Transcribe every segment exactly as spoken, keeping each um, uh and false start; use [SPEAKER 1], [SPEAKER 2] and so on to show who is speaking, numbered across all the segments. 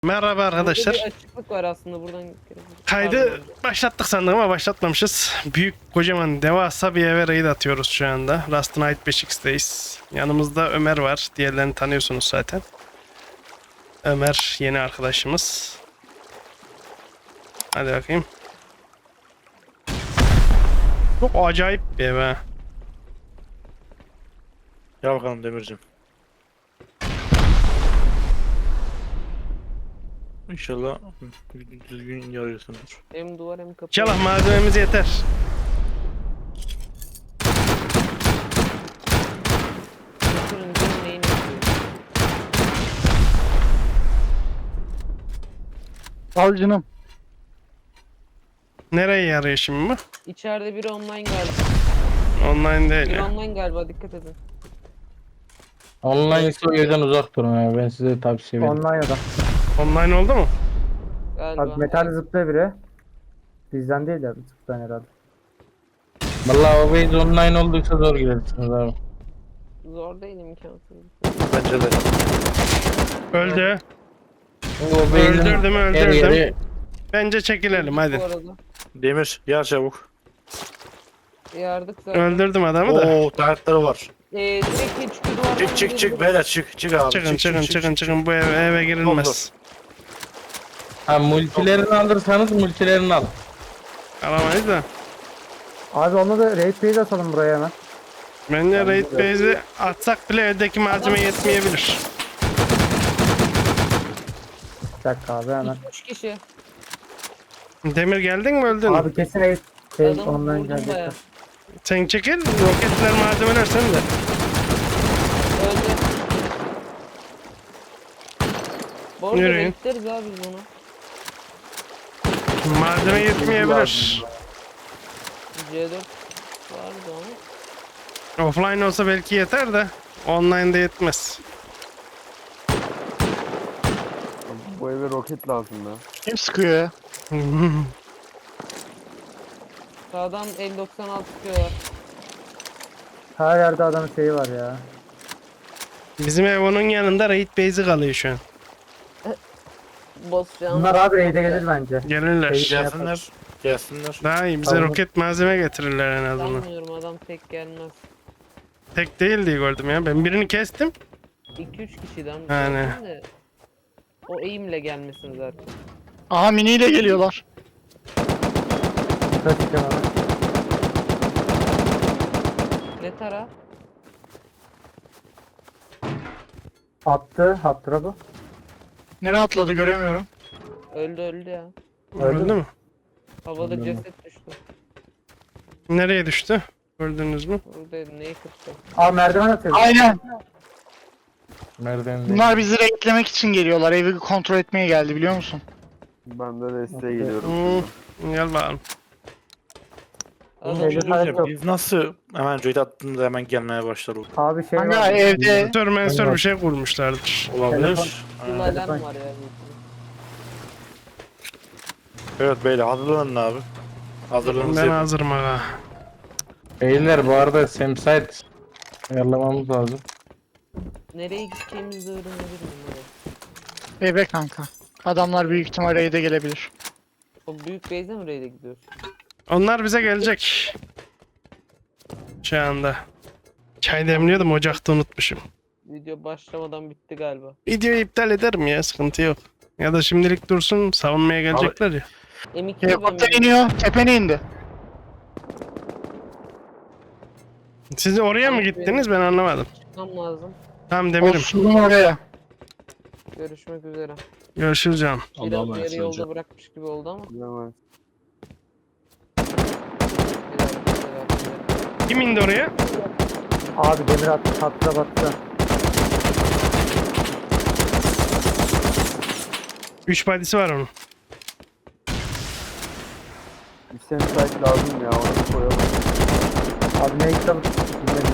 [SPEAKER 1] Merhaba arkadaşlar.
[SPEAKER 2] Burada bir açıklık var aslında buradan.
[SPEAKER 1] Kaydı
[SPEAKER 2] Pardon.
[SPEAKER 1] başlattık sandım ama başlatmamışız. Büyük kocaman devasa bir eve raid atıyoruz şu anda. Rust Night beş x'teyiz. Yanımızda Ömer var. Diğerlerini tanıyorsunuz zaten. Ömer yeni arkadaşımız. Hadi bakayım. Çok acayip bir ev ha.
[SPEAKER 3] Gel bakalım Demircim. İnşallah düzgün yarıyorsundur.
[SPEAKER 2] Hem duvar hem kapı.
[SPEAKER 1] İnşallah malzememiz yeter.
[SPEAKER 2] Turuncu neyini yapıyor?
[SPEAKER 4] Al canım.
[SPEAKER 1] Nereye yarıyor şimdi bu?
[SPEAKER 2] İçeride biri online galiba.
[SPEAKER 1] Online değil
[SPEAKER 2] Biri
[SPEAKER 1] ya.
[SPEAKER 2] online galiba, dikkat edin.
[SPEAKER 4] Online ise o yerden uzak durun ya. Ben size tavsiye veririm.
[SPEAKER 5] Online adam.
[SPEAKER 1] Online oldu mu?
[SPEAKER 2] Galiba.
[SPEAKER 5] Abi metal zıplıyor biri. Bizden değil ya, zıplayan herhalde.
[SPEAKER 4] Vallahi o base online olduysa zor girersiniz abi.
[SPEAKER 2] Zor değil, imkansız.
[SPEAKER 3] Bence de.
[SPEAKER 1] Öldü.
[SPEAKER 4] O base'in
[SPEAKER 1] Öldürdüm,
[SPEAKER 4] her
[SPEAKER 1] öldürdüm.
[SPEAKER 4] yeri
[SPEAKER 1] Bence çekilelim hadi.
[SPEAKER 2] Bu arada.
[SPEAKER 3] Demir gel çabuk.
[SPEAKER 2] Yardık zaten.
[SPEAKER 1] Öldürdüm adamı da.
[SPEAKER 3] Oo tankları var.
[SPEAKER 2] Ee, direkt çıkıyor duvardan.
[SPEAKER 3] Çık çık çık beyler çık çık abi.
[SPEAKER 1] Çıkın
[SPEAKER 3] çık,
[SPEAKER 1] çıkın
[SPEAKER 3] çık,
[SPEAKER 1] çıkın
[SPEAKER 3] çık,
[SPEAKER 1] çıkın bu eve, eve girilmez.
[SPEAKER 4] ha multilerini alırsanız multilerini al.
[SPEAKER 1] Alamayız da.
[SPEAKER 5] Abi onunla da raid base atalım buraya hemen.
[SPEAKER 1] Bence raid base'i atsak bile evdeki malzeme yetmeyebilir.
[SPEAKER 5] Bir dakika abi hemen.
[SPEAKER 2] Üç kişi.
[SPEAKER 1] Demir geldin mi öldün mü?
[SPEAKER 5] Abi kesin raid şey
[SPEAKER 2] Adamı
[SPEAKER 5] online
[SPEAKER 2] vurdum
[SPEAKER 5] gelecekler.
[SPEAKER 2] bayağı.
[SPEAKER 1] Sen çekil roketler malzemeler sen de.
[SPEAKER 2] Öldü. Bu arada
[SPEAKER 1] Yürüyün.
[SPEAKER 2] bekleriz abi biz onu.
[SPEAKER 1] Malzeme yetmeyebilir.
[SPEAKER 2] C dört vardı ama.
[SPEAKER 1] Offline olsa belki yeter de online'da yetmez.
[SPEAKER 6] Bu eve roket lazım ya.
[SPEAKER 4] Kim sıkıyor ya?
[SPEAKER 2] Sağdan el doksan altı çıkıyorlar.
[SPEAKER 5] Her yerde adamın şeyi var ya.
[SPEAKER 1] Bizim ev onun yanında raid base'i kalıyor şu an.
[SPEAKER 2] Boss can.
[SPEAKER 5] Bunlar abi raid'e gelir bence.
[SPEAKER 1] Gelirler.
[SPEAKER 5] Şey-
[SPEAKER 3] Gelsinler. Gelsinler.
[SPEAKER 1] Daha iyi bize
[SPEAKER 5] Tamam.
[SPEAKER 1] roket malzeme getirirler en azından.
[SPEAKER 2] Sanmıyorum, adam tek gelmez.
[SPEAKER 1] Tek değil diye gördüm ya. Ben birini kestim.
[SPEAKER 2] iki üç kişiden
[SPEAKER 1] Yani.
[SPEAKER 2] de o eğimle gelmesin zaten.
[SPEAKER 4] Aha miniyle geliyorlar.
[SPEAKER 5] Dikkat edeceğim abi.
[SPEAKER 2] Ne tara?
[SPEAKER 5] Attı. Hattıra bu.
[SPEAKER 4] Nereye atladı göremiyorum.
[SPEAKER 2] Öldü öldü ya.
[SPEAKER 1] Öldü mü?
[SPEAKER 2] Havada
[SPEAKER 5] Öldü mü?
[SPEAKER 2] ceset düştü.
[SPEAKER 1] Nereye düştü? Gördünüz mü?
[SPEAKER 2] Buradaydı, neyi kırdı?
[SPEAKER 5] Abi merdiven atıyor.
[SPEAKER 7] Aynen.
[SPEAKER 4] Nereden
[SPEAKER 7] Bunlar bizi renklemek için geliyorlar. Evi kontrol etmeye geldi biliyor musun?
[SPEAKER 6] Ben de desteğe geliyorum.
[SPEAKER 1] Hmm, gel bakalım.
[SPEAKER 3] Oğlum
[SPEAKER 2] Adam
[SPEAKER 3] bir şey
[SPEAKER 5] Şeyde
[SPEAKER 3] söyleyeceğim.
[SPEAKER 5] yok.
[SPEAKER 3] Biz nasıl hemen raid attığında hemen gelmeye başladık.
[SPEAKER 5] Abi şey
[SPEAKER 7] Kanka
[SPEAKER 5] var.
[SPEAKER 7] evde
[SPEAKER 1] Sensör mensör bir şey kurmuşlardır.
[SPEAKER 3] Olabilir.
[SPEAKER 2] bir
[SPEAKER 3] Ha.
[SPEAKER 2] alarm var ya.
[SPEAKER 3] Evet beyler hazırlanın abi. Hazırlığınızı
[SPEAKER 1] Ben
[SPEAKER 3] yapın.
[SPEAKER 1] hazırım aga.
[SPEAKER 4] Beyler bu arada Samsite ayarlamamız lazım.
[SPEAKER 2] Nereye gideceğimizi de öğrenebilirim bunları.
[SPEAKER 7] eve kanka. Adamlar büyük ihtimal raid'e gelebilir.
[SPEAKER 2] O büyük base'e mi raid'e gidiyorsun?
[SPEAKER 1] Onlar bize gelecek. Şu anda. Çay demliyordum ocakta unutmuşum.
[SPEAKER 2] Video başlamadan bitti galiba.
[SPEAKER 1] Videoyu iptal ederim ya sıkıntı yok. Ya da şimdilik dursun savunmaya gelecekler ya.
[SPEAKER 2] M iki'ye ben
[SPEAKER 7] Helikopter iniyor. Tepene indi.
[SPEAKER 1] Siz oraya mı gittiniz ben anlamadım.
[SPEAKER 2] çıkmam lazım.
[SPEAKER 1] Tamam
[SPEAKER 7] O
[SPEAKER 1] Demir'im.
[SPEAKER 7] sulun oraya.
[SPEAKER 2] Görüşmek üzere.
[SPEAKER 1] Görüşürüz canım.
[SPEAKER 2] Biraz yarı yolda bırakmış gibi oldu ama.
[SPEAKER 6] Bilemez.
[SPEAKER 2] Biraz güzel.
[SPEAKER 1] Kim indi oraya?
[SPEAKER 5] Abi demir attı. Hattıra battı.
[SPEAKER 1] Üç badisi var onun.
[SPEAKER 6] Bir sensite lazım ya, onu koyalım.
[SPEAKER 5] Abi ne kitabı bilmedim.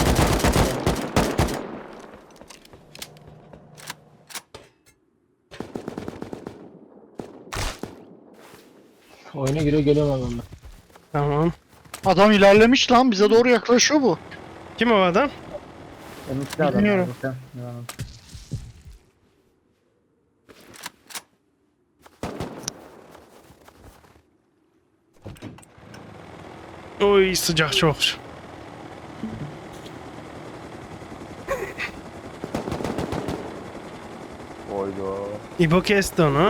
[SPEAKER 4] Oyuna giriyor geliyorum adamlar.
[SPEAKER 1] Tamam.
[SPEAKER 7] Adam ilerlemiş lan. Bize doğru yaklaşıyor bu.
[SPEAKER 1] Kim o adam?
[SPEAKER 5] Emitli adam.
[SPEAKER 7] Bilmiyorum.
[SPEAKER 5] abi.
[SPEAKER 1] Oy sıcak çok.
[SPEAKER 6] Oyda.
[SPEAKER 1] İbo kesti onu.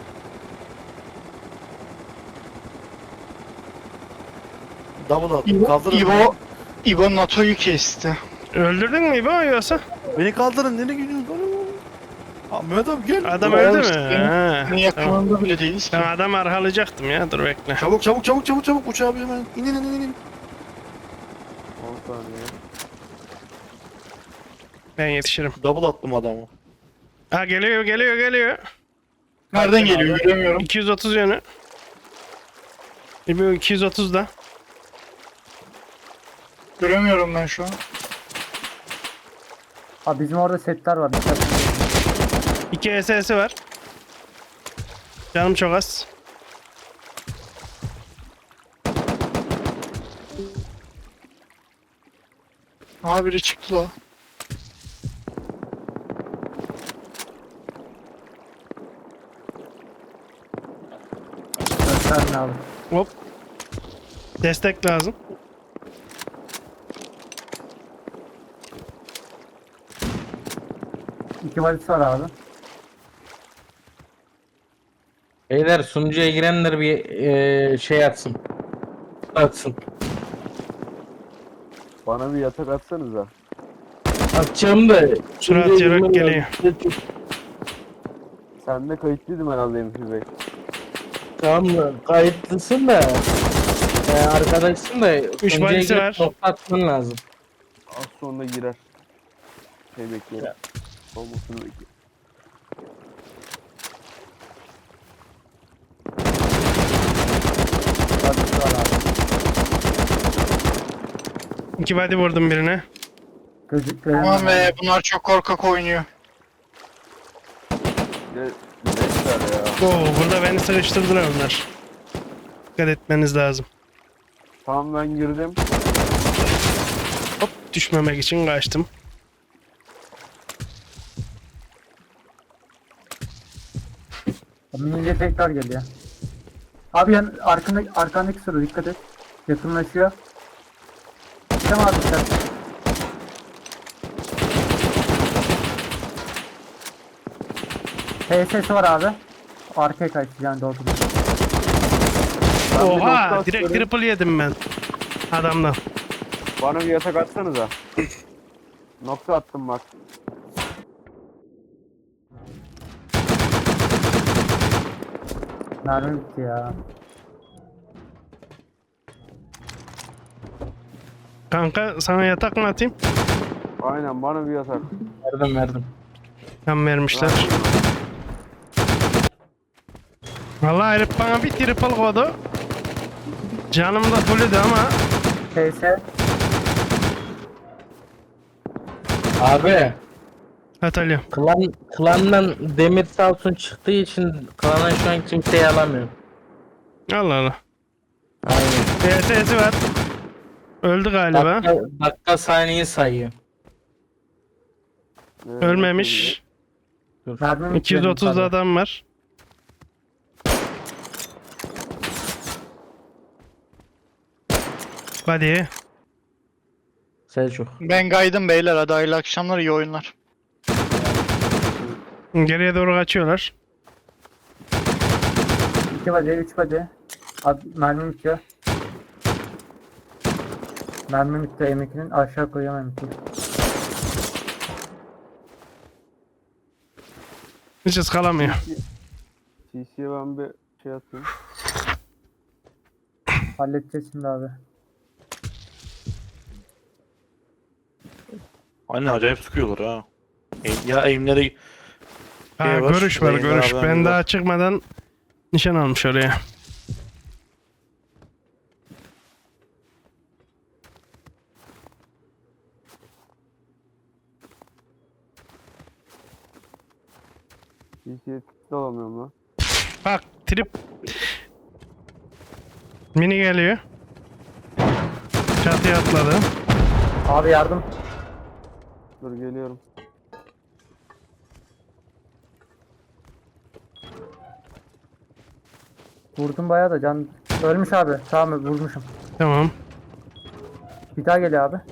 [SPEAKER 3] Double at.
[SPEAKER 7] İbo,
[SPEAKER 3] Kaldırın.
[SPEAKER 7] İbo, İbo NATO'yu kesti.
[SPEAKER 1] Öldürdün mü İbo yoksa?
[SPEAKER 3] Beni kaldırın. Nereye gidiyorsun? Aa, Mehmet abi gel.
[SPEAKER 1] Adam
[SPEAKER 7] İbo
[SPEAKER 1] öldü mü?
[SPEAKER 7] işte,
[SPEAKER 1] Ha,
[SPEAKER 7] Senin
[SPEAKER 1] tamam.
[SPEAKER 7] yakınında bile değiliz ki.
[SPEAKER 1] Ben adam arhalayacaktım ya, dur bekle.
[SPEAKER 3] Çabuk çabuk çabuk çabuk çabuk uç abi hemen. İn in in in in.
[SPEAKER 6] on saniye.
[SPEAKER 1] Ben yetişirim.
[SPEAKER 3] Double attım adamı.
[SPEAKER 1] Ha geliyor geliyor geliyor.
[SPEAKER 7] Nereden geliyor göremiyorum.
[SPEAKER 1] iki yüz otuz yönü. İbo iki yüz otuzda.
[SPEAKER 7] Göremiyorum ben şu an.
[SPEAKER 5] Abi bizim orada setler var. Dikkat edin.
[SPEAKER 1] iki S S'i var. Canım çok az.
[SPEAKER 7] Aha biri çıktı la.
[SPEAKER 5] Gösterme abi.
[SPEAKER 1] Hop. Destek lazım.
[SPEAKER 5] İki valisi var abi.
[SPEAKER 4] Beyler sunucuya girenler bir eee, şey atsın. Atsın.
[SPEAKER 6] Bana bir yatak atsanıza.
[SPEAKER 4] Atacağım da.
[SPEAKER 1] Surat
[SPEAKER 4] sunucuya
[SPEAKER 1] yarak
[SPEAKER 4] girmem
[SPEAKER 1] geliyor.
[SPEAKER 4] lazım.
[SPEAKER 6] Sen de kayıtlıydım herhalde M P Bey.
[SPEAKER 4] Tamam mı? Kayıtlısın da. E, arkadaşsın da. sunucuya
[SPEAKER 1] valisi
[SPEAKER 4] girip
[SPEAKER 1] var.
[SPEAKER 4] nokta atman lazım.
[SPEAKER 6] Az sonra girer. Şey bekliyorum. Olmasını bekliyorum.
[SPEAKER 5] Valisi var abi.
[SPEAKER 1] İki body vurdum birine.
[SPEAKER 5] Gözük
[SPEAKER 7] Aman
[SPEAKER 5] göremem.
[SPEAKER 7] be bunlar çok korkak oynuyor.
[SPEAKER 6] Bir de Leicester ya.
[SPEAKER 1] Oo burada beni sıkıştırdılar onlar. Dikkat etmeniz lazım.
[SPEAKER 6] Tamam ben girdim.
[SPEAKER 1] Hop düşmemek için kaçtım.
[SPEAKER 5] Minince tekrar geliyor. Abi yan arkandaki, arkandaki soru dikkat et. Yakınlaşıyor. Tamam abi sen. P S var abi. Arkaya kaçtı yani doldu.
[SPEAKER 6] Ben bir
[SPEAKER 1] Oha
[SPEAKER 6] nokta
[SPEAKER 1] direkt
[SPEAKER 6] atıyorum.
[SPEAKER 1] triple yedim ben. Adamdan.
[SPEAKER 6] Bana bir yatak atsanıza. Nokta attım bak.
[SPEAKER 5] Mermi bitti ya.
[SPEAKER 1] Kanka sana yatak mı atayım?
[SPEAKER 6] Aynen bana bir yatak.
[SPEAKER 4] Verdim verdim.
[SPEAKER 1] Tam vermişler. Vallahi herif bana bir triple koydu. Canım da fullüydü ama
[SPEAKER 5] P S.
[SPEAKER 4] Abi.
[SPEAKER 1] atalım.
[SPEAKER 4] Klan, klandan Demir Salsun çıktığı için klana şu an kimseyi alamıyor.
[SPEAKER 1] Allah Allah.
[SPEAKER 4] Aynen.
[SPEAKER 1] P S S'i var. Öldü galiba.
[SPEAKER 4] Dakika, dakika saniye sayıyor.
[SPEAKER 6] Evet,
[SPEAKER 1] Ölmemiş.
[SPEAKER 5] Mermi bitti
[SPEAKER 1] iki yüz
[SPEAKER 5] benim
[SPEAKER 1] otuzda
[SPEAKER 5] tabii.
[SPEAKER 1] adam var. Hadi.
[SPEAKER 4] Selçuk.
[SPEAKER 7] Ben kaydım beyler hadi hayırlı akşamlar iyi oyunlar.
[SPEAKER 1] Geriye doğru kaçıyorlar.
[SPEAKER 5] İki bacı, üç bacı. Abi mermi bitiyor. Mermi bitti M ikinin aşağı koyamam M iki.
[SPEAKER 1] Hiç ıskalamıyor.
[SPEAKER 6] T C'ye ben bir şey atayım.
[SPEAKER 5] Halledeceğiz şimdi abi.
[SPEAKER 3] Aynen acayip sıkıyorlar ha. E, ya eğimleri
[SPEAKER 1] Ha,
[SPEAKER 3] Şey var,
[SPEAKER 1] görüş var
[SPEAKER 3] yayın
[SPEAKER 1] görüş.
[SPEAKER 3] var,
[SPEAKER 1] Ben
[SPEAKER 3] haberimiz
[SPEAKER 1] daha
[SPEAKER 3] var.
[SPEAKER 1] çıkmadan nişan almış oraya.
[SPEAKER 6] T C'ye tıklı alamıyorum lan.
[SPEAKER 1] Bak trip. Mini geliyor. Çatıya atladı.
[SPEAKER 5] Abi yardım.
[SPEAKER 6] Dur geliyorum.
[SPEAKER 5] Vurdum bayağı da can. Ölmüş abi. Tamam vurmuşum.
[SPEAKER 1] Tamam.
[SPEAKER 5] Bir daha geliyor abi.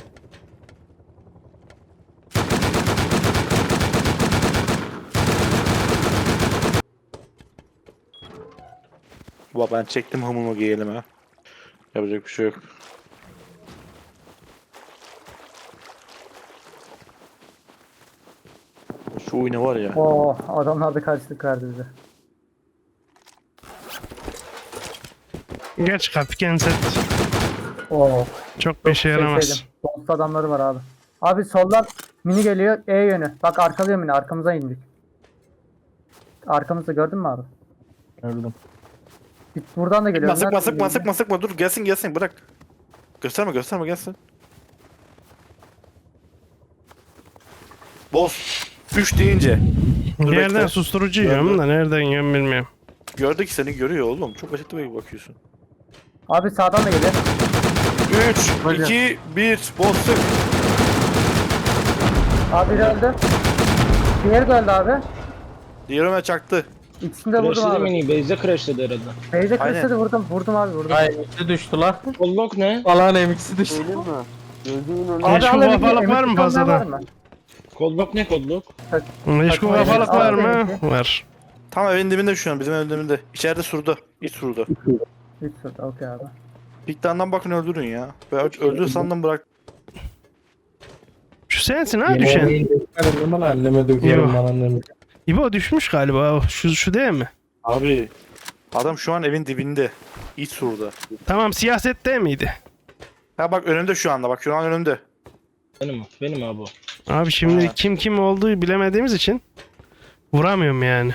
[SPEAKER 3] Baba ben çektim hamurmu giyelim ha. Yapacak bir şey yok. Şu oyunu var ya.
[SPEAKER 5] Oo, adamlar da karşılık verdi bize.
[SPEAKER 1] Geç Kapiken set.
[SPEAKER 5] Oo.
[SPEAKER 1] Çok bir işe yaramaz.
[SPEAKER 5] Şey Dost adamları var abi. Abi soldan mini geliyor E yönü. Bak arkalıyor mini, arkamıza indik. Arkamızda gördün mü abi?
[SPEAKER 4] Gördüm.
[SPEAKER 5] Bir- Buradan da geliyor.
[SPEAKER 3] Sıkma
[SPEAKER 5] Nereden
[SPEAKER 3] sıkma
[SPEAKER 5] geliyor?
[SPEAKER 3] sıkma sıkma dur gelsin gelsin bırak. Gösterme gösterme gelsin. Boss. üç deyince. Dur
[SPEAKER 1] Bir yerden
[SPEAKER 3] bekle.
[SPEAKER 1] susturucu yiyorum da nereden yiyorum bilmiyorum.
[SPEAKER 3] Gördük seni görüyor oğlum. Çok açıkta bir bakıyorsun.
[SPEAKER 5] Abi sağdan da geliyor.
[SPEAKER 3] üç, iki, bir. Boss sık.
[SPEAKER 5] Abi biri öldü. Diğeri de öldü abi.
[SPEAKER 3] Diğerine çaktı.
[SPEAKER 5] İkisini de vurdum
[SPEAKER 8] Crashladı
[SPEAKER 5] abi.
[SPEAKER 8] mini, base'de crashladı herhalde.
[SPEAKER 5] Beyze
[SPEAKER 3] Aynen.
[SPEAKER 5] kırıştı vurdum. Vurdum abi vurdum.
[SPEAKER 4] Ay M X'i düştü la.
[SPEAKER 8] Unlock ne?
[SPEAKER 4] Falan M X'i düştü.
[SPEAKER 6] Söyleyeyim mi? Gözümün önünde.
[SPEAKER 5] Abi
[SPEAKER 1] Meşgul
[SPEAKER 5] al elindeki
[SPEAKER 1] kafalık var mı
[SPEAKER 5] emekli
[SPEAKER 1] fazladan?
[SPEAKER 5] var mı?
[SPEAKER 8] Kodlock ne kodlock?
[SPEAKER 1] Meşgul
[SPEAKER 5] Takma
[SPEAKER 1] kafalık
[SPEAKER 5] elini.
[SPEAKER 1] var
[SPEAKER 5] Al
[SPEAKER 1] mı?
[SPEAKER 5] benimki.
[SPEAKER 1] Var.
[SPEAKER 3] Tam evin dibinde şu an bizim evin dibinde. İçeride surda. İç surda.
[SPEAKER 5] Hiç sorun. Okey abi.
[SPEAKER 3] Piktandan bakın öldürün ya. Ben öldür sandım bırak.
[SPEAKER 1] Şu sensin ha düşen.
[SPEAKER 4] Anneme anneme dökerim ben anneme.
[SPEAKER 1] İbo düşmüş galiba. Şu, şu değil mi?
[SPEAKER 3] Abi. Adam şu an evin dibinde. İç surda.
[SPEAKER 1] Tamam siyaset değil miydi?
[SPEAKER 3] Ha bak önümde şu anda bak şu an önümde.
[SPEAKER 8] Benim, benim abi o.
[SPEAKER 1] Abi şimdi
[SPEAKER 3] Ha.
[SPEAKER 1] kim kim olduğu bilemediğimiz için vuramıyorum yani.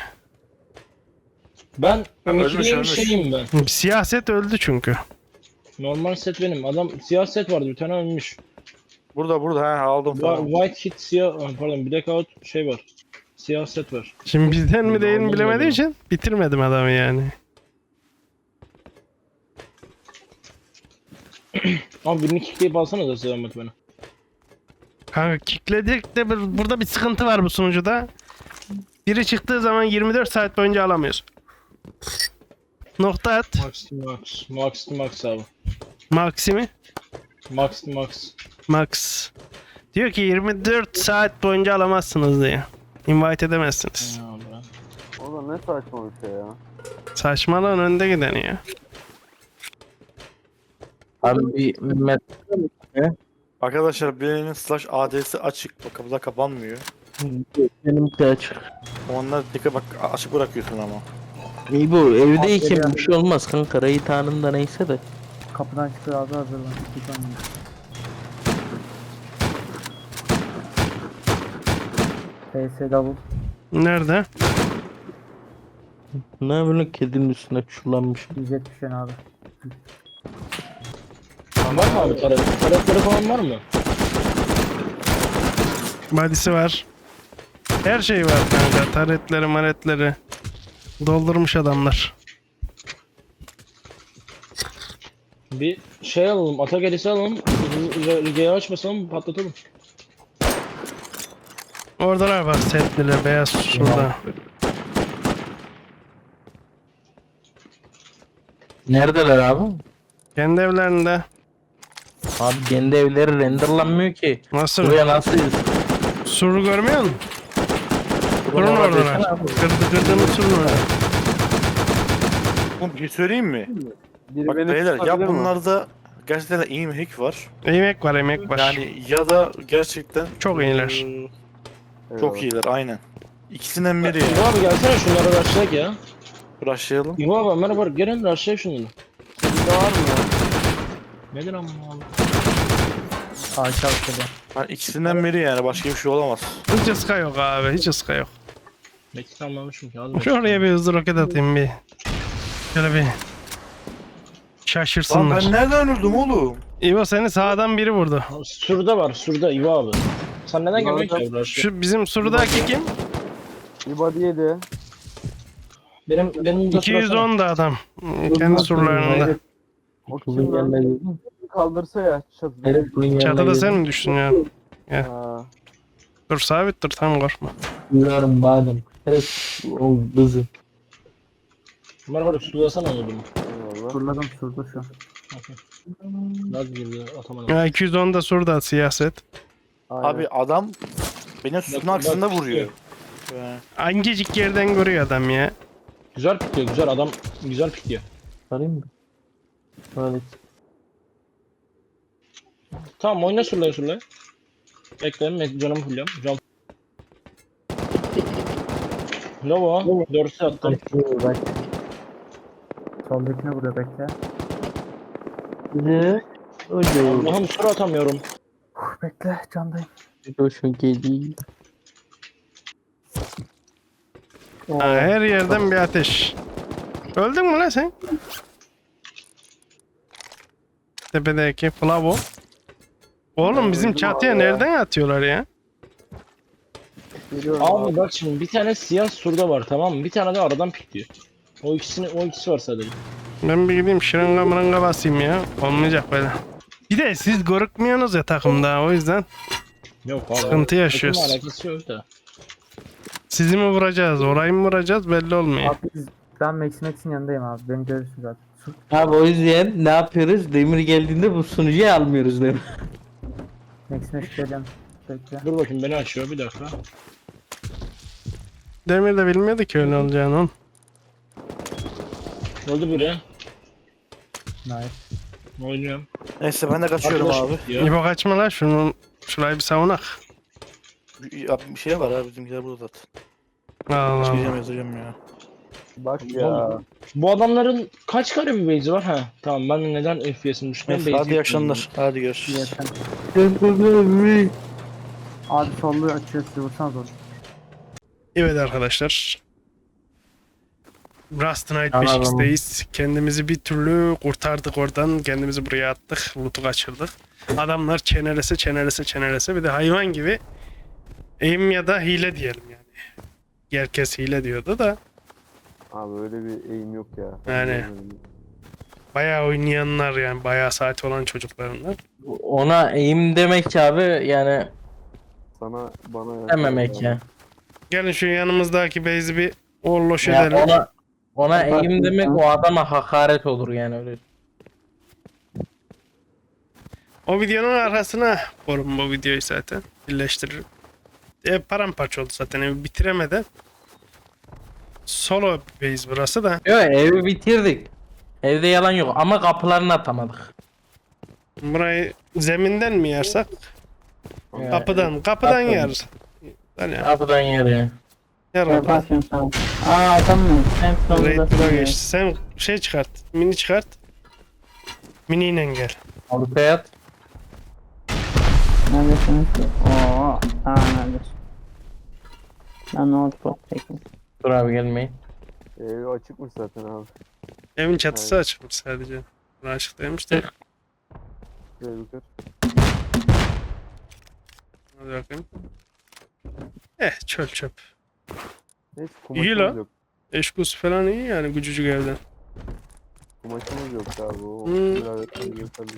[SPEAKER 8] Ben
[SPEAKER 3] ölmüş,
[SPEAKER 8] ümitli
[SPEAKER 3] ölmüş.
[SPEAKER 8] şeyim ben.
[SPEAKER 1] Siyaset öldü çünkü.
[SPEAKER 8] Normal set benim. Adam siyah set vardı bir tane ölmüş.
[SPEAKER 3] Burada burada ha aldım
[SPEAKER 8] Wa-
[SPEAKER 3] tamam.
[SPEAKER 8] White hit siyah, ah, pardon blackout şey var. Siyah set var.
[SPEAKER 1] Şimdi bizden mi değil mi
[SPEAKER 8] Normal
[SPEAKER 1] bilemediğim
[SPEAKER 8] öyle.
[SPEAKER 1] için bitirmedim adamı yani.
[SPEAKER 8] Abi birini kickleyip alsana da selamet bana.
[SPEAKER 1] Kanka kickledik de bir- burada bir sıkıntı var bu sunucuda. Biri çıktığı zaman yirmi dört saat boyunca alamıyoruz. Nokta at.
[SPEAKER 8] Max to max. Max to max abi.
[SPEAKER 1] Maximi.
[SPEAKER 8] Max to max.
[SPEAKER 1] Max. Diyor ki yirmi dört saat boyunca alamazsınız diye. Invite edemezsiniz.
[SPEAKER 8] Ya abi.
[SPEAKER 6] O da ne saçma bir şey ya.
[SPEAKER 1] Saçmalığın önde gideni ya.
[SPEAKER 4] Abi bir met
[SPEAKER 3] Arkadaşlar birinin slash A D'si açık. Bak kapıda kapanmıyor.
[SPEAKER 4] benimki açık.
[SPEAKER 3] Onlar dikkat bak açık bırakıyorsun ama.
[SPEAKER 4] İyi bu evdeyken bir şey olmaz kanka. Rayit anında neyse de.
[SPEAKER 5] Kapıdan çıkıyor abi hazırlan. Bir saniye. P S double.
[SPEAKER 1] Nerede?
[SPEAKER 4] Ne yapıyorsun kedinin üstüne çullanmış.
[SPEAKER 5] yüz yetmiş yen abi.
[SPEAKER 8] Var mı abi taret? Taretleri falan var mı?
[SPEAKER 1] Body'si var. Her şey var kanka. Taretleri maretleri. Doldurmuş adamlar.
[SPEAKER 8] Bir şey alalım, Atagelis'i alalım. Rige'yi açmasalım, patlatalım.
[SPEAKER 1] Oradalar var setliler beyaz şurada.
[SPEAKER 4] Neredeler abi?
[SPEAKER 1] Kendi evlerinde.
[SPEAKER 4] Abi kendi evleri renderlanmıyor ki.
[SPEAKER 1] Nasıl?
[SPEAKER 4] Buraya nasıl
[SPEAKER 1] Suru görmüyor musun? Surun oradalar. Kırdı kırdığımız surun orada.
[SPEAKER 3] Oğlum bir şey söyleyeyim mi?
[SPEAKER 6] Biri
[SPEAKER 3] Bak
[SPEAKER 6] beni
[SPEAKER 3] beyler ya
[SPEAKER 6] tutabilir mi?
[SPEAKER 3] bunlarda gerçekten de iyi bir hack var.
[SPEAKER 1] Emek var emek var.
[SPEAKER 3] Yani ya da gerçekten
[SPEAKER 1] Çok iyiler.
[SPEAKER 3] eee,
[SPEAKER 6] Eyvallah.
[SPEAKER 3] çok iyiler aynen. İkisinden biri
[SPEAKER 8] İbo
[SPEAKER 3] ya.
[SPEAKER 8] abi gelsene şunları rushlayak ya.
[SPEAKER 3] Rushlayalım.
[SPEAKER 8] İbo abi merhaba gelin rushlayak şunları.
[SPEAKER 6] Sizde var mı ya?
[SPEAKER 8] Nedir amma abi?
[SPEAKER 5] Ağaç altında.
[SPEAKER 3] Yani ikisinden biri yani başka bir şey olamaz.
[SPEAKER 1] Hiç ıska yok abi hiç ıska yok.
[SPEAKER 8] Metin almamışım ki az
[SPEAKER 1] Şu oraya bir hızlı roket atayım bir. Şöyle bir.
[SPEAKER 3] Lan
[SPEAKER 1] Şaşırsınlar.
[SPEAKER 3] ben nereden öldüm oğlum?
[SPEAKER 1] İbo seni sağdan biri vurdu.
[SPEAKER 8] Surda var surda İbo abi. Sen neden gelmiyorsun ki abi rushlayak?
[SPEAKER 1] Şu bizim surdaki kim?
[SPEAKER 6] Bir body yedi.
[SPEAKER 8] Benim benim de
[SPEAKER 1] iki yüz on da adam. Kendi surlarında.
[SPEAKER 6] O
[SPEAKER 4] Kulun
[SPEAKER 6] kim
[SPEAKER 4] yanına
[SPEAKER 6] lan?
[SPEAKER 4] girdin.
[SPEAKER 6] Kaldırsa ya çatıda.
[SPEAKER 4] Evet kulun yanına
[SPEAKER 1] Çatıda
[SPEAKER 4] girdin.
[SPEAKER 1] sen mi düştün ya?
[SPEAKER 6] Ha.
[SPEAKER 1] Dur sabit dur tam korkma.
[SPEAKER 4] Duyuyorum badem. Evet o kızı.
[SPEAKER 8] Merhaba sulasana onu bunu.
[SPEAKER 6] Eyvallah.
[SPEAKER 5] Fırladım şurada şu an.
[SPEAKER 8] Okey. Laz girdi atamadım.
[SPEAKER 1] Ya iki yüz on da surda siyaset.
[SPEAKER 6] Aynen.
[SPEAKER 3] Abi adam benim sütun
[SPEAKER 8] Bak-
[SPEAKER 3] aksında
[SPEAKER 8] bak
[SPEAKER 3] vuruyor.
[SPEAKER 8] işte.
[SPEAKER 3] Ee,
[SPEAKER 1] Hangicik yerden görüyor adam ya.
[SPEAKER 8] Güzel pikliyor güzel adam güzel pikliyor.
[SPEAKER 4] Sarayım mı? Böyle.
[SPEAKER 8] Tamam oyna surlaya surlaya. Bekle canımı fulluyorum. Can. Lovo. Dörtü attım.
[SPEAKER 4] Bak.
[SPEAKER 5] Soldakine vuruyor bekle.
[SPEAKER 4] Ne? Öyle.
[SPEAKER 8] Allah'ım sur atamıyorum.
[SPEAKER 5] Uf, bekle candayım.
[SPEAKER 4] Şu geliyor.
[SPEAKER 1] Ha, her yerden bir ateş. Öldün mü lan sen? Tepedeki Flavo. Oğlum bizim çatıya nereden atıyorlar ya?
[SPEAKER 6] Geliyorum
[SPEAKER 8] Abi bak şimdi bir tane siyah surda var tamam mı? Bir tane de aradan pikliyor. O ikisini o ikisi var sadece.
[SPEAKER 1] Ben bir gideyim şırınga mırınga basayım ya. Olmayacak böyle. Bir de siz görükmüyorsunuz ya takımda o yüzden
[SPEAKER 8] Yok abi.
[SPEAKER 1] sıkıntı yaşıyoruz.
[SPEAKER 8] Takımla alakası yok da.
[SPEAKER 1] Sizi mi vuracağız, orayı mı vuracağız belli olmuyor.
[SPEAKER 5] Abi biz, ben Max Max'in yanındayım abi. Beni görürsün zaten. Su-
[SPEAKER 4] Abi o yüzden ne yapıyoruz? Demir geldiğinde bu sunucuyu almıyoruz değil mi?
[SPEAKER 5] Max Max geleceğim. Bekle.
[SPEAKER 8] Dur bakayım beni açıyor bir dakika.
[SPEAKER 1] Demir de bilmiyordu ki öyle olacağını oğlum.
[SPEAKER 8] Öldü biri.
[SPEAKER 5] Nice.
[SPEAKER 8] Oynuyorum.
[SPEAKER 3] Neyse ben de kaçıyorum
[SPEAKER 8] Arkadaş
[SPEAKER 3] abi.
[SPEAKER 8] pikliyor.
[SPEAKER 1] İbo kaçma lan şunu, şurayı bir savunak.
[SPEAKER 3] Bir, abi bir şey var abi bizimkiler burada zaten.
[SPEAKER 1] Allah
[SPEAKER 3] Çıkacağım
[SPEAKER 1] Allah.
[SPEAKER 3] yazacağım ya.
[SPEAKER 6] Bak ya.
[SPEAKER 8] Bu adamların kaç kare bir base'i var ha? Tamam ben de neden F P S'ini düşmüyorum?
[SPEAKER 3] Neyse, hadi iyi akşamlar. Hadi görüşürüz.
[SPEAKER 5] Yeter. Abi sollu açıyor sizi vursanız olur.
[SPEAKER 1] Evet arkadaşlar. Rust Night
[SPEAKER 4] Anladım.
[SPEAKER 1] beş x'teyiz. Kendimizi bir türlü kurtardık oradan. Kendimizi buraya attık. Loot'u kaçırdık. Adamlar çenelese çenelese çenelese bir de hayvan gibi aim ya da hile diyelim yani. Herkes hile diyordu da
[SPEAKER 6] Abi öyle bir eğim yok ya.
[SPEAKER 1] Yani. bayağı oynayanlar yani bayağı saati olan çocuklarınlar.
[SPEAKER 4] Ona eğim demek abi yani
[SPEAKER 6] Sana bana
[SPEAKER 4] dememek ya.
[SPEAKER 1] Gelin şu yanımızdaki base'i bir orloş
[SPEAKER 4] Ya
[SPEAKER 1] edelim.
[SPEAKER 4] ona ona eğim demek o adama hakaret olur yani öyle.
[SPEAKER 1] O videonun arkasına korum bu videoyu zaten. Birleştiririm. Ev paramparça oldu zaten evi bitiremeden. Solo base burası da.
[SPEAKER 4] Yok evi bitirdik. Evde yalan yok ama kapılarını atamadık.
[SPEAKER 1] Burayı zeminden mi yersak?
[SPEAKER 4] Ya,
[SPEAKER 1] Kapıdan. Kapıdan
[SPEAKER 4] kapıdan.
[SPEAKER 1] yer. Yani
[SPEAKER 4] Kapıdan yer ya.
[SPEAKER 1] yer orada.
[SPEAKER 9] Yaparsın sen. Aa adam mı? Hem sonunda
[SPEAKER 1] Raid bura
[SPEAKER 9] sürüyor.
[SPEAKER 1] geçti. Sen şey çıkart. Mini çıkart. Miniyle gel.
[SPEAKER 4] Ortaya at.
[SPEAKER 9] Neredesiniz ki? Oo. Aa neredesin? Ben notebook çekeyim.
[SPEAKER 4] Dur abi gelmeyin.
[SPEAKER 6] Evi açıkmış zaten abi.
[SPEAKER 1] Evin çatısı açılmış sadece. Bura açık değilmiş de.
[SPEAKER 6] Şöyle yukarı.
[SPEAKER 1] Hadi bakayım. Eh çöl çöp.
[SPEAKER 6] Neyse
[SPEAKER 1] İyi
[SPEAKER 6] kumaşımız
[SPEAKER 1] lan.
[SPEAKER 6] yok.
[SPEAKER 1] Eşkus falan iyi yani gücücük evden.
[SPEAKER 6] Kumaşımız yok abi. O
[SPEAKER 1] Hmm.
[SPEAKER 6] biraz yeterli.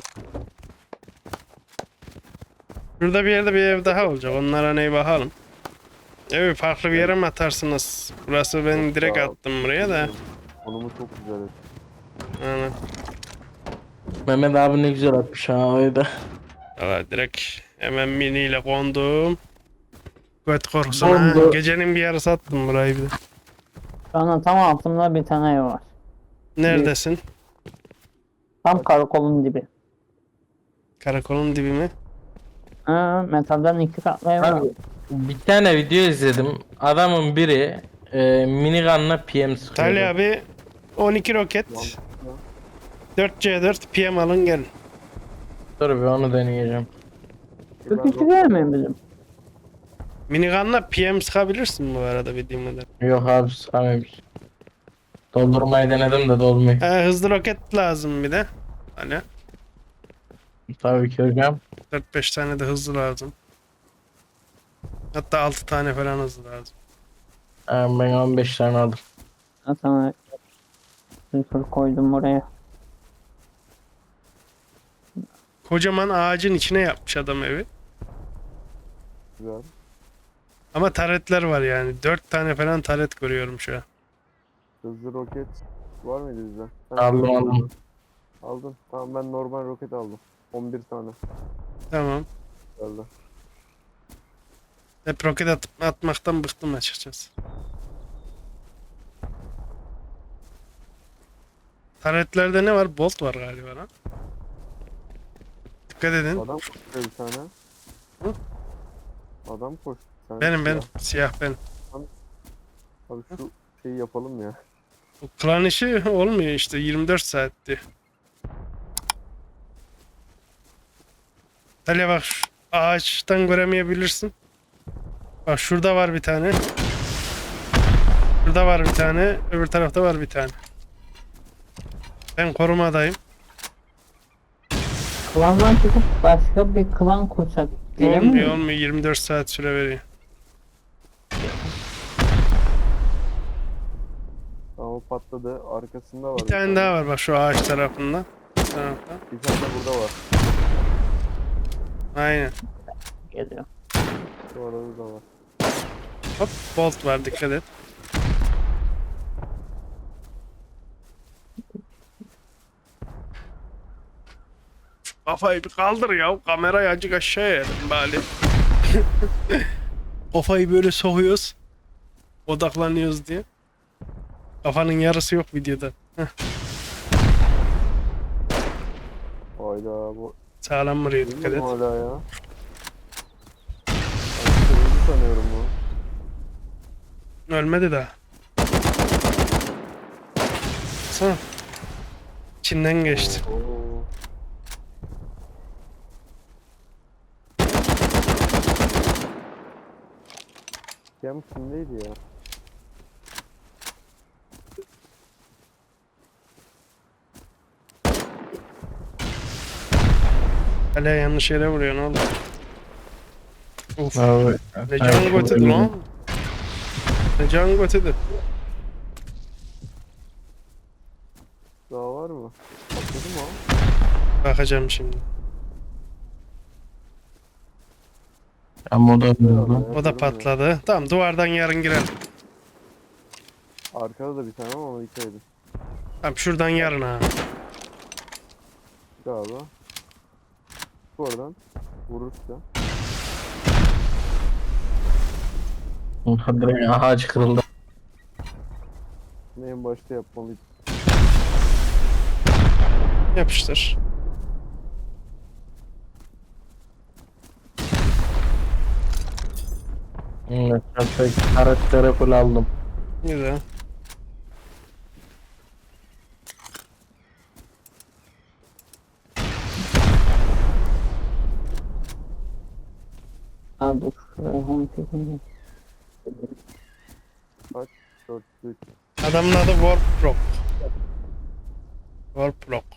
[SPEAKER 1] Şurada bir yerde bir ev daha olacak. Onlara neye bakalım. Evi farklı bir yere mi atarsınız? Burası ben direkt attım buraya da.
[SPEAKER 6] Konumu çok güzel.
[SPEAKER 1] Yani,
[SPEAKER 4] Mehmet abi ne güzel atmış ha öyle.
[SPEAKER 1] valla direkt hemen miniyle kondum. Göt korkusuna.
[SPEAKER 4] Kondu.
[SPEAKER 1] Gecenin bir yarısı attım burayı bir de.
[SPEAKER 9] Şu anda tam altımda bir tane ev var.
[SPEAKER 1] Neredesin?
[SPEAKER 9] Tam karakolun dibi.
[SPEAKER 1] Karakolun dibi mi?
[SPEAKER 9] Ha, metalden iki katlı ev var.
[SPEAKER 4] Abi, bir tane video izledim. Adamın biri e, minigunla P M sıkıyor.
[SPEAKER 1] Talya abi on iki roket. dört C dört P M alın gelin.
[SPEAKER 4] Dur bir onu deneyeceğim.
[SPEAKER 9] Şu kişi değil mi bizim?
[SPEAKER 1] Minigunla P M sıkabilirsin bu arada bildiğim kadar.
[SPEAKER 4] Yok abi sıkamıyoruz. Doldurmayı denedim de dolmuyor.
[SPEAKER 1] Ee, hızlı roket lazım bir de. Hani
[SPEAKER 4] Tabii ki hocam.
[SPEAKER 1] dört beş tane de hızlı lazım. Hatta altı tane falan hızlı lazım.
[SPEAKER 4] Ha, ben on beş tane aldım.
[SPEAKER 9] Ha, sana sıfır koydum oraya.
[SPEAKER 1] Kocaman ağacın içine yapmış adam evi.
[SPEAKER 6] Güzel.
[SPEAKER 1] Ama taretler var yani. dört tane falan taret görüyorum şu an.
[SPEAKER 6] Hızlı roket var mıydı bizde?
[SPEAKER 4] Aldım aldım.
[SPEAKER 6] Aldın. Tamam ben normal roket aldım. on bir tane
[SPEAKER 1] Tamam.
[SPEAKER 6] geldi.
[SPEAKER 1] Hep roket atıp atmaktan bıktım açıkçası. Taretlerde ne var? Bolt var galiba lan. Dikkat edin.
[SPEAKER 6] Adam koşuyor bir tane.
[SPEAKER 1] Hı?
[SPEAKER 6] Adam koştu bir tane.
[SPEAKER 1] Benim benim.
[SPEAKER 6] siyah.
[SPEAKER 1] Siyah benim.
[SPEAKER 6] Abi şu şeyi yapalım ya.
[SPEAKER 1] Bu klan işi olmuyor işte. yirmi dört saatti. Hele bak şu ağaçtan göremeyebilirsin. Bak şurada var bir tane. Şurada var bir tane. Öbür tarafta var bir tane. Ben korumadayım.
[SPEAKER 9] Klandan çıkıp başka bir klan kursak gelir
[SPEAKER 1] Olmuyor
[SPEAKER 9] mi?
[SPEAKER 1] olmuyor. yirmi dört saat süre veriyor.
[SPEAKER 6] Tamam o patladı. Arkasında var.
[SPEAKER 1] Bir tane daha var bak şu ağaç tarafında. Bu tarafta.
[SPEAKER 6] Bir tane de burada var.
[SPEAKER 1] Aynen.
[SPEAKER 9] Geliyor.
[SPEAKER 6] Şu arada da var.
[SPEAKER 1] Hop bolt var dikkat et. Kafayı bir kaldır ya. Kamerayı azıcık aşağıya edelim bari. Kafayı böyle sokuyoruz. Odaklanıyoruz diye. Kafanın yarısı yok videoda. Heh,
[SPEAKER 6] Hayda bu.
[SPEAKER 1] sağlam vuruyor dikkat et.
[SPEAKER 6] Bilmiyorum hala ya. Ben kırmızı sanıyorum bu.
[SPEAKER 1] Ölmedi daha. Sana. İçinden geçti.
[SPEAKER 6] Oo. Gem kimdeydi ya?
[SPEAKER 1] Hala yanlış yere vuruyor ne oldu? Uf.
[SPEAKER 4] Abi.
[SPEAKER 1] Ne can götürdü lan? Ne can götürdü?
[SPEAKER 6] Daha var mı? Patladı mı o?
[SPEAKER 1] Bakacağım şimdi.
[SPEAKER 4] Ama o da öldü.
[SPEAKER 1] O da patladı. Tamam duvardan yarın girelim.
[SPEAKER 6] Arkada da bir tane ama ona dikkat edin.
[SPEAKER 1] Tamam şuradan yarın ha.
[SPEAKER 6] Galiba. Bu oradan. Vurursa.
[SPEAKER 4] Direkt ağaç kırıldı.
[SPEAKER 6] En başta yapmalıyız.
[SPEAKER 1] Yapıştır.
[SPEAKER 4] Evet, ben karakteri full aldım.
[SPEAKER 1] Güzel.
[SPEAKER 9] Aa dur. Şuraya home çekeyim.
[SPEAKER 6] dört üç.
[SPEAKER 1] Adamın adı Warprock. Warprock.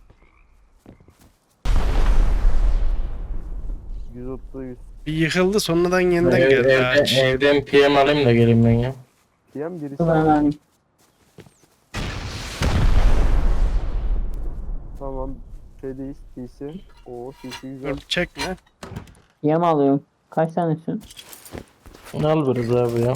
[SPEAKER 6] yüz otuz yüz.
[SPEAKER 1] Bir yıkıldı sonradan yeniden
[SPEAKER 4] Ev-
[SPEAKER 1] geldi
[SPEAKER 4] evde-
[SPEAKER 1] ağaç.
[SPEAKER 4] evden P M alayım da geleyim ben ya.
[SPEAKER 6] Diyen birisi.
[SPEAKER 9] Dur ben vereyim.
[SPEAKER 6] Tamam. Şeydeyiz. T C. Oo T C güzel.
[SPEAKER 1] Dur çekme.
[SPEAKER 9] Yem alıyorum. Kaç tanesin?
[SPEAKER 4] Ne alırız abi ya?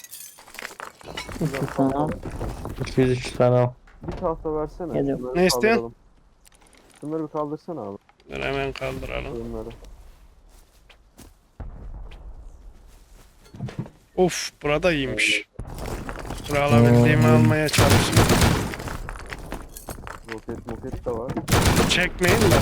[SPEAKER 9] İki tane al.
[SPEAKER 4] iki yüz üç tane al.
[SPEAKER 6] Bir tahta versene.
[SPEAKER 9] Geliyorum.
[SPEAKER 6] Şunları
[SPEAKER 1] Ne istiyorsun?
[SPEAKER 6] kaldıralım. Şunları bir kaldırsana abi.
[SPEAKER 1] Dur hemen kaldıralım.
[SPEAKER 6] Bunları.
[SPEAKER 1] Of burada iyiymiş. Dur alabildiğimi almaya çalışıyorum.
[SPEAKER 6] Roket moket de var.
[SPEAKER 1] Çekmeyin de.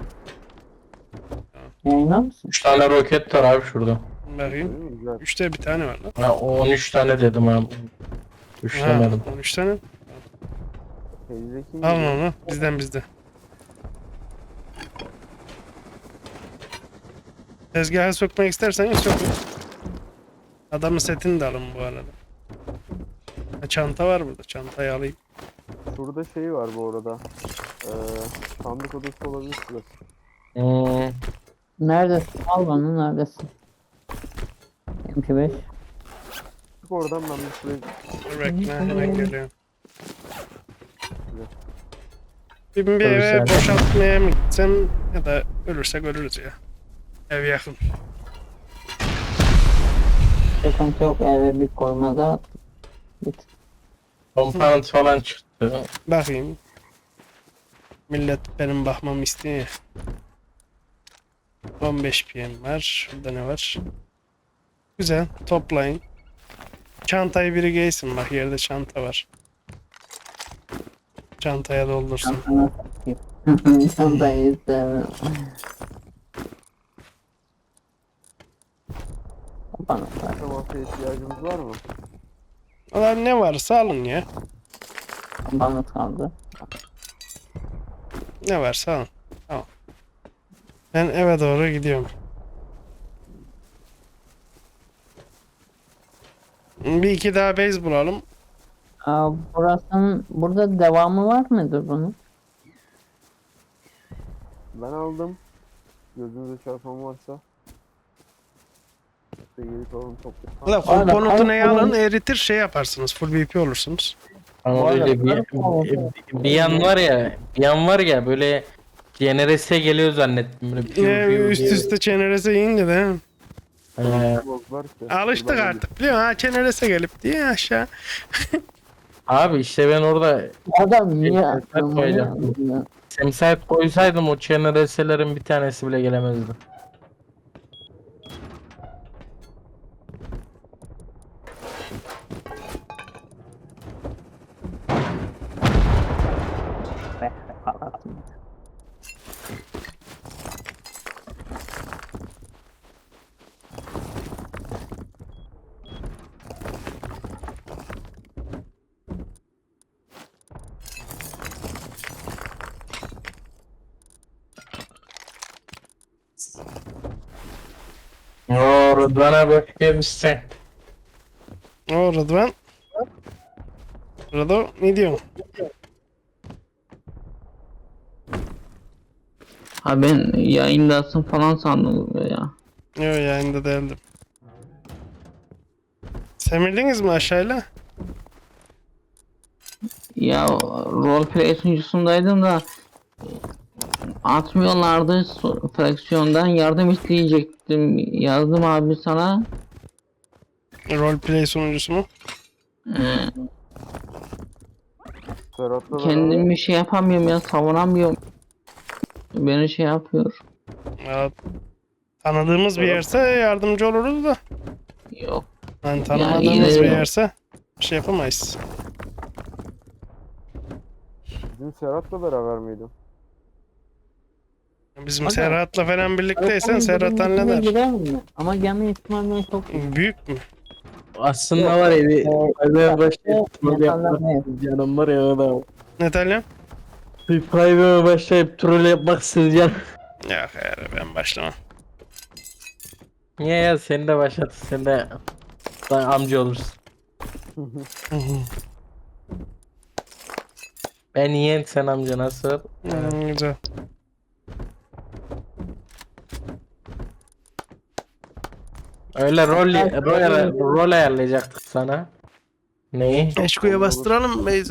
[SPEAKER 9] Yayınlar mısın?
[SPEAKER 4] üç tane roket var abi şurada.
[SPEAKER 1] Bakayım.
[SPEAKER 6] Değil mi? Güzel.
[SPEAKER 1] Üçte bir tane var lan.
[SPEAKER 4] Ha, on üç tane dedim abi. üç
[SPEAKER 1] Ha,
[SPEAKER 4] demedim.
[SPEAKER 1] on üç tane.
[SPEAKER 6] Teyzeki
[SPEAKER 1] Al onu. Bizden bizde. Tezgaha sokmak isterseniz sokun. Adamın setini de alın bu arada. Ha, çanta var burada. Çantayı alayım.
[SPEAKER 6] Şurada şey var bu arada. Ee, sandık odası olabilir şurası.
[SPEAKER 4] Hmm.
[SPEAKER 9] Neredesin? Al bana neredesin? M P beş.
[SPEAKER 6] Çık oradan ben bir şuraya
[SPEAKER 1] Dur bekle hemen geliyorum.
[SPEAKER 6] Güzel.
[SPEAKER 1] Bir, bir
[SPEAKER 4] Tabii
[SPEAKER 1] eve
[SPEAKER 4] sen-
[SPEAKER 1] boşaltmaya mı gitsem ya da ölürsek ölürüz ya. Ev yakın.
[SPEAKER 9] Sıkıntı yok. Eve bir koymada. Bit.
[SPEAKER 4] Compound falan çıktı.
[SPEAKER 1] Bakayım. Millet benim bakmamı istiyor ya. on beş P M var. Şurada ne var? Güzel. Toplayın. Çantayı biri giysin. Bak yerde çanta var. Çantaya doldursun.
[SPEAKER 9] Çantana takayım. Çantayı istemem. Bana bak.
[SPEAKER 6] Temasa ihtiyacımız var mı?
[SPEAKER 1] Valla ne varsa alın ya.
[SPEAKER 9] Bana kaldı.
[SPEAKER 1] Ne varsa alın. Tamam. Ben eve doğru gidiyorum. Bir iki daha base bulalım.
[SPEAKER 9] Aa, burasının, burada devamı var mıdır bunun?
[SPEAKER 6] Ben aldım. Gözünüze çarpan varsa. İşte geri kalan toplayalım.
[SPEAKER 1] Valla komponotu neye alın eritir şey yaparsınız. Full B P olursunuz.
[SPEAKER 4] Ama
[SPEAKER 9] Bu arada
[SPEAKER 4] böyle bir,
[SPEAKER 9] ben-
[SPEAKER 4] bir, bir yan var ya, bir yan var ya böyle G N R S'e geliyor zannettim. Böyle piu
[SPEAKER 1] Ee,
[SPEAKER 4] piu
[SPEAKER 1] üst
[SPEAKER 4] diye.
[SPEAKER 1] üste çenerese yiyince de.
[SPEAKER 4] Ee,
[SPEAKER 6] Var ki.
[SPEAKER 1] Alıştık
[SPEAKER 6] Şuradan
[SPEAKER 1] artık biliyor musun? Ha çenerese gelip diye aşağı.
[SPEAKER 4] abi işte ben orada
[SPEAKER 9] Adam niye
[SPEAKER 4] Şey,
[SPEAKER 9] attın
[SPEAKER 4] koyacağım.
[SPEAKER 9] bunu?
[SPEAKER 4] semsayet koysaydım o G N R S'lerin bir tanesi bile gelemezdi.
[SPEAKER 9] Be, patlattım.
[SPEAKER 4] Oo Rıdvan'a bak gelmişsin.
[SPEAKER 1] O Rıdvan. Rıdo ne diyorsun?
[SPEAKER 9] Ha ben yayındasın falan sandım ya.
[SPEAKER 1] Yok yayında değildim. Semirdiniz mi aşağıyla?
[SPEAKER 9] Ya roleplay sunucusundaydım da atmıyorlardı so- fraksiyondan yardım isteyecektim. Yazdım abi sana.
[SPEAKER 1] Roleplay sunucusu mu?
[SPEAKER 9] Ee,
[SPEAKER 6] Serhat'la beraber
[SPEAKER 9] kendimi şey yapamıyorum ya savunamıyorum. Beni şey yapıyor.
[SPEAKER 1] Ya, tanıdığımız bir yerse yardımcı oluruz da.
[SPEAKER 9] Yok.
[SPEAKER 1] Yani tanımadığımız
[SPEAKER 9] yine-
[SPEAKER 1] bir yerse bir şey yapamayız.
[SPEAKER 6] Dün Serhat'la beraber miydim?
[SPEAKER 1] Bizim
[SPEAKER 9] Aga,
[SPEAKER 1] Serhat'la falan birlikteysen Serhat
[SPEAKER 9] Ama
[SPEAKER 1] halleder.
[SPEAKER 9] girer mi? Ama gelme ihtimalle çok
[SPEAKER 1] Büyük mü?
[SPEAKER 4] Aslında var ya bir private başlayıp troll
[SPEAKER 9] Yaparlar
[SPEAKER 4] yapmak
[SPEAKER 9] ne?
[SPEAKER 4] canım var ya adam.
[SPEAKER 1] Ne Talya?
[SPEAKER 4] Bir private başlayıp troll yapmak canım.
[SPEAKER 1] Yok hayır ben başlamam.
[SPEAKER 4] Niye ya sen de başlat sen de sen amca olursun. Ben yeğen sen amca nasıl?
[SPEAKER 1] Hmm, güzel.
[SPEAKER 4] Öyle rol rol, rol ayarlayacaktık sana. Neyi?
[SPEAKER 1] Eşko'ya bastıralım mı Beyzi?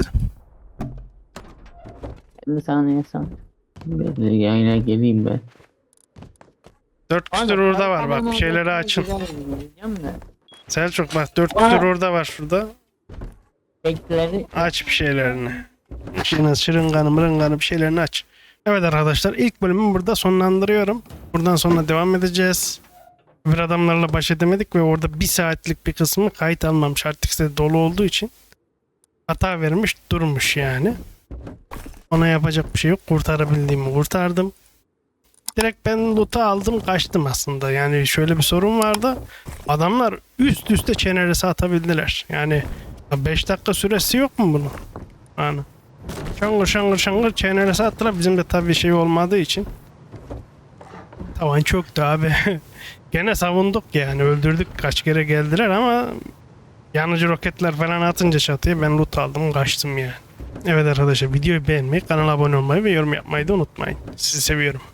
[SPEAKER 9] bir saniye sen. Ben de yayına geleyim ben.
[SPEAKER 1] Dört küsür orada var bak bir şeyleri açın. Selçuk bak dört küsür orada var şurada.
[SPEAKER 9] Bekleri
[SPEAKER 1] Aç bir şeylerini. Şırın, şırınganı mırınganı bir şeylerini aç. Evet arkadaşlar ilk bölümü burada sonlandırıyorum. Buradan sonra devam edeceğiz. Bir adamlarla baş edemedik ve orada bir saatlik bir kısmı kayıt almamış. Artık size dolu olduğu için hata vermiş durmuş yani. Ona yapacak bir şey yok. Kurtarabildiğimi kurtardım. Direkt ben loot'u aldım kaçtım aslında. Yani şöyle bir sorun vardı. Adamlar üst üste çeneresi atabildiler. Yani beş dakika süresi yok mu bunun? Yani. Şangır şangır şangır çeneresi attılar. Bizim de tabii şey olmadığı için. Tavan çöktü abi. Gene savunduk yani. Öldürdük kaç kere geldiler ama yanıcı roketler falan atınca çatıya ben loot aldım kaçtım yani. Evet arkadaşlar videoyu beğenmeyi, kanala abone olmayı ve yorum yapmayı da unutmayın. Sizi seviyorum.